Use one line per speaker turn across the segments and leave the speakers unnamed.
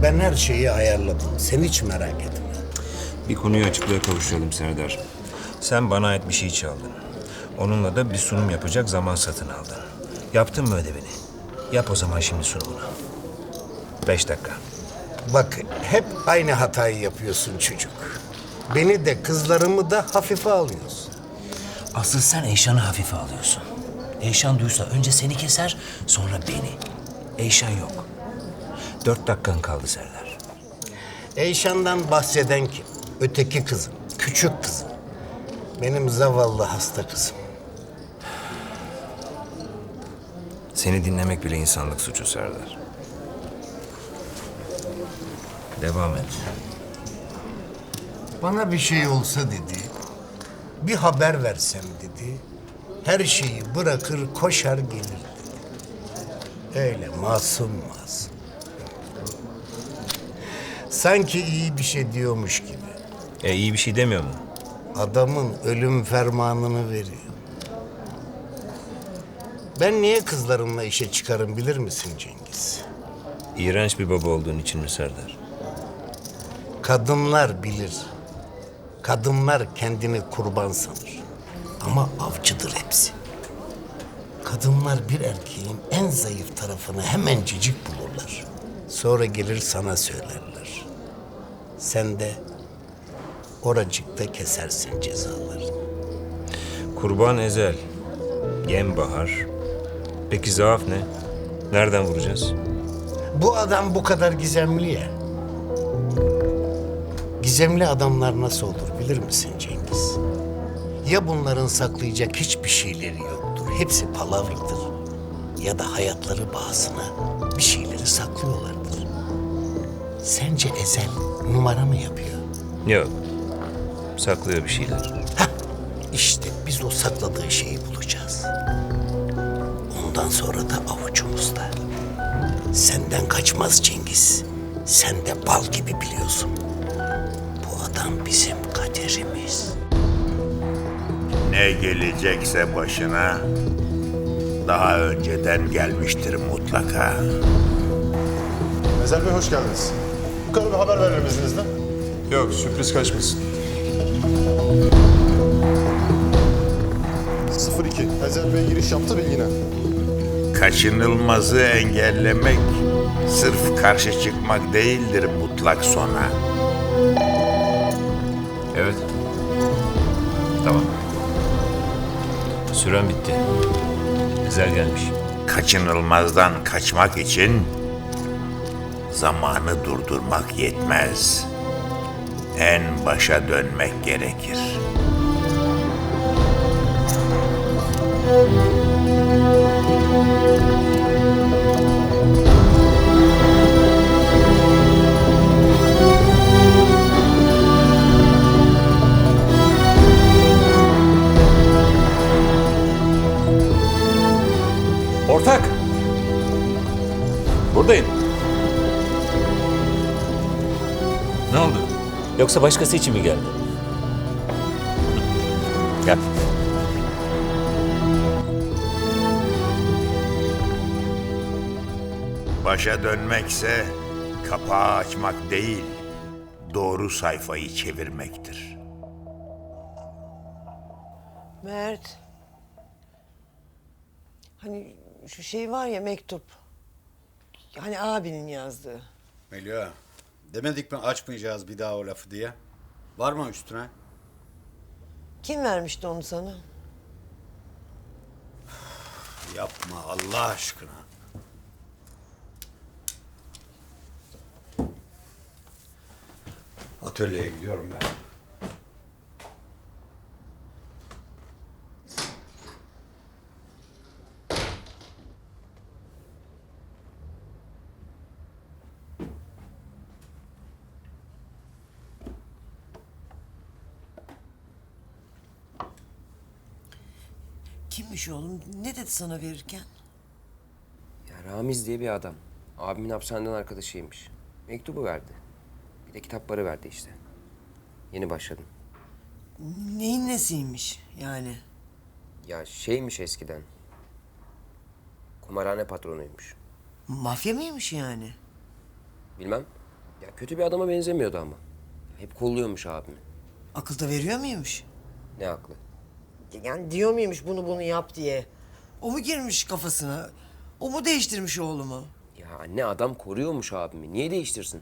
Ben her şeyi ayarladım. Sen hiç merak etme.
Bir konuyu açıklığa kavuşturalım Serdar. Sen bana ait bir şey çaldın. Onunla da bir sunum yapacak zaman satın aldın. Yaptın mı ödevini? Yap o zaman şimdi sunumunu. 5 dakika.
Bak hep aynı hatayı yapıyorsun çocuk. Beni de kızlarımı da hafife alıyorsun.
Asıl sen Eyşan'ı hafife alıyorsun. Eyşan duysa önce seni keser, sonra beni. Eyşan yok.
4 dakikan kaldı Serdar.
Eyşan'dan bahseden kim? Öteki kızım, küçük kızım. Benim zavallı hasta kızım.
Seni dinlemek bile insanlık suçu Serdar. Devam et.
Bana bir şey olsa dedi, bir haber versem dedi, her şeyi bırakır koşar gelir dedi. Öyle masum masum. Sanki iyi bir şey diyormuş gibi.
İyi bir şey demiyor mu?
Adamın ölüm fermanını veriyor. Ben niye kızlarımla işe çıkarım bilir misin Cengiz?
İğrenç bir baba olduğun için mi Serdar?
Kadınlar bilir. Kadınlar kendini kurban sanır. Ama avcıdır hepsi. Kadınlar bir erkeğin en zayıf tarafını hemencecik bulurlar. Sonra gelir sana söylerler. Sen de oracıkta kesersin cezalarını.
Kurban ezel, yem bahar. Peki zaaf ne? Nereden vuracağız?
Bu adam bu kadar gizemli ya. Gizemli adamlar nasıl olur bilir misin Cengiz? Ya bunların saklayacak hiçbir şeyleri yoktur. Hepsi palavradır. Ya da hayatları bahasına bir şeyleri saklıyorlardır. Sence Ezel numara mı yapıyor?
Yok. Saklıyor bir şeyler.
Hah, işte biz o sakladığı şeyi bulacağız. Ondan sonra da avucumuzda. Senden kaçmaz Cengiz. Sen de bal gibi biliyorsun. Bu adam bizim kaderimiz.
Ne gelecekse başına daha önceden gelmiştir mutlaka.
Ezel Bey hoş geldiniz. Bu kadar bir haber verelim izninizle.
Yok, sürpriz kaçmasın.
02. Ezel Bey giriş yaptı bilgine.
Kaçınılmazı engellemek sırf karşı çıkmak değildir mutlak sona.
Evet. Tamam. Süren bitti. Ezel gelmiş.
Kaçınılmazdan kaçmak için zamanı durdurmak yetmez. En başa dönmek gerekir.
Ortak! Buradayım. Ne oldu?
Yoksa başkası için mi geldin? Gel.
Başa dönmekse kapağı açmak değil, doğru sayfayı çevirmektir.
Mert. Hani şu şey var ya mektup. Hani abinin yazdığı.
Melia, demedik mi açmayacağız bir daha o lafı diye? Var mı üstüne?
Kim vermişti onu sana?
Yapma Allah aşkına. Atölyeye gidiyorum ben.
Kimmiş oğlum? Ne dedi sana verirken?
Ya Ramiz diye bir adam. Abimin hapishaneden arkadaşıymış. Mektubu verdi. Bir de kitapları verdi işte. Yeni başladım.
Neyin nesiymiş yani?
Ya şeymiş eskiden. Kumarhane patronuymuş.
Mafya mıymış yani?
Bilmem. Ya kötü bir adama benzemiyordu ama. Hep kolluyormuş abimi.
Akıl da veriyor muymuş?
Ne aklı.
Yani diyor muymuş bunu yap diye? O mu girmiş kafasına? O mu değiştirmiş oğlumu?
Ya anne adam koruyormuş abimi. Niye değiştirsin?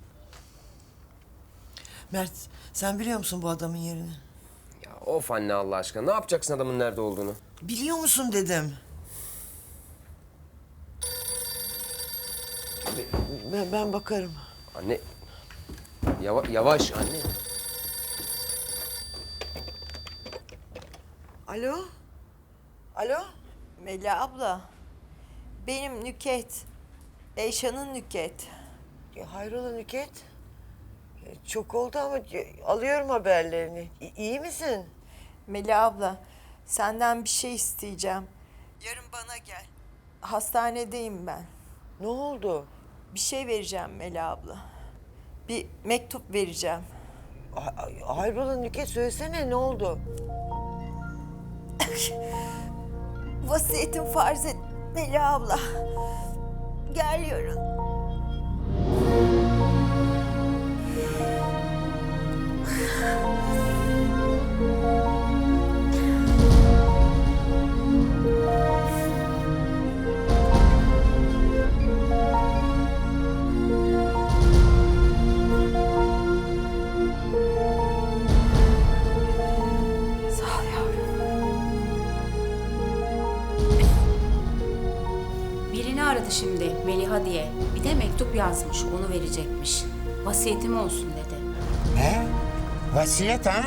Mert, sen biliyor musun bu adamın yerini?
Ya of anne Allah aşkına. Ne yapacaksın adamın nerede olduğunu?
Biliyor musun dedim. Ben bakarım.
Anne. Yavaş anne.
Alo? Alo?
Mela abla, benim Nüket. Eyşan'ın Nüket.
Hayrola Nüket? Çok oldu ama alıyorum haberlerini. İyi misin?
Mela abla, senden bir şey isteyeceğim. Yarın bana gel. Hastanedeyim ben.
Ne oldu?
Bir şey vereceğim Mela abla. Bir mektup vereceğim.
Hayrola Nüket, söylesene ne oldu?
Vasiyetim farz et Mela abla. Gel yarın. Sağ ol yavrum.
Birini aradı şimdi Meliha diye. Bir de mektup yazmış, onu verecekmiş. Vasiyetim olsun dedi.
He? Vasiyet ha?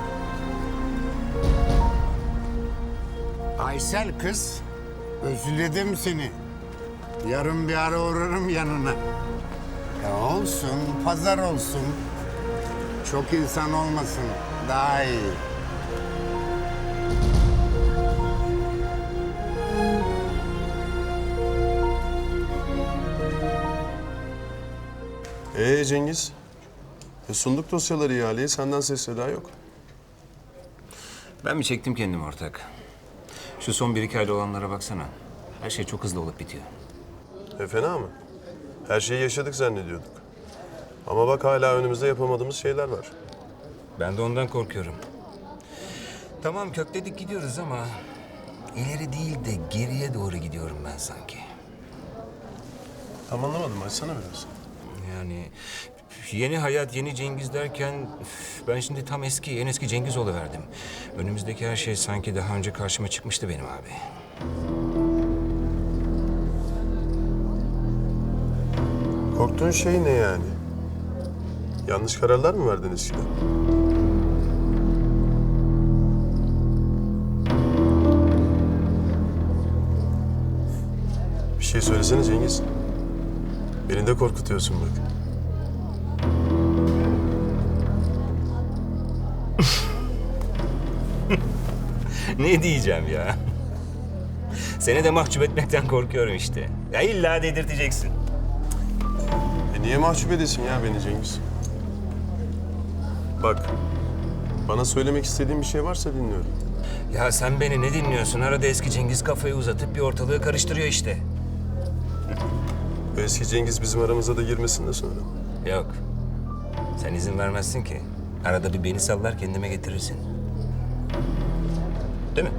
Aysel kız, özledim seni. Yarın bir ara uğrarım yanına. Ya olsun, pazar olsun. Çok insan olmasın, daha iyi.
Cengiz? Sunduk dosyaları ihaleye, senden ses seda yok.
Ben mi çektim kendimi ortak? Şu son 1-2 ayda olanlara baksana. Her şey çok hızlı olup bitiyor.
Fena mı? Her şeyi yaşadık zannediyorduk. Ama bak hala önümüzde yapamadığımız şeyler var.
Ben de ondan korkuyorum. Tamam kökledik gidiyoruz ama... ileri değil de geriye doğru gidiyorum ben sanki.
Tam anlamadım, açsana biraz.
Yani yeni hayat, yeni Cengiz derken ben şimdi tam en eski Cengiz oluverdim. Önümüzdeki her şey sanki daha önce karşıma çıkmıştı benim abi.
Korktuğun şey ne yani? Yanlış kararlar mı verdin eskiden? Bir şey söylesene Cengiz. Beni de korkutuyorsun bak.
Ne diyeceğim ya? Seni de mahcup etmekten korkuyorum işte. Ya illa dedirteceksin.
Niye mahcup edesin ya beni Cengiz? Bak, bana söylemek istediğin bir şey varsa dinliyorum.
Ya sen beni ne dinliyorsun? Arada eski Cengiz kafayı uzatıp bir ortalığı karıştırıyor işte.
Bu eski Cengiz bizim aramıza da girmesin de sonra.
Yok. Sen izin vermezsin ki. Arada bir beni sallar kendime getirirsin. Değil mi?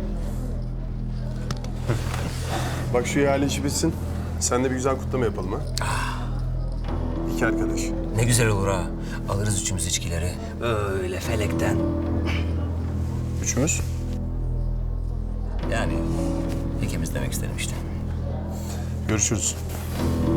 Bak şu ihale işi bitsin. Sen de bir güzel kutlama yapalım ha. İki arkadaş.
Ne güzel olur ha. Alırız üçümüz içkileri. Öyle felekten.
Üçümüz.
Yani ikimiz demek istedim işte.
Görüşürüz.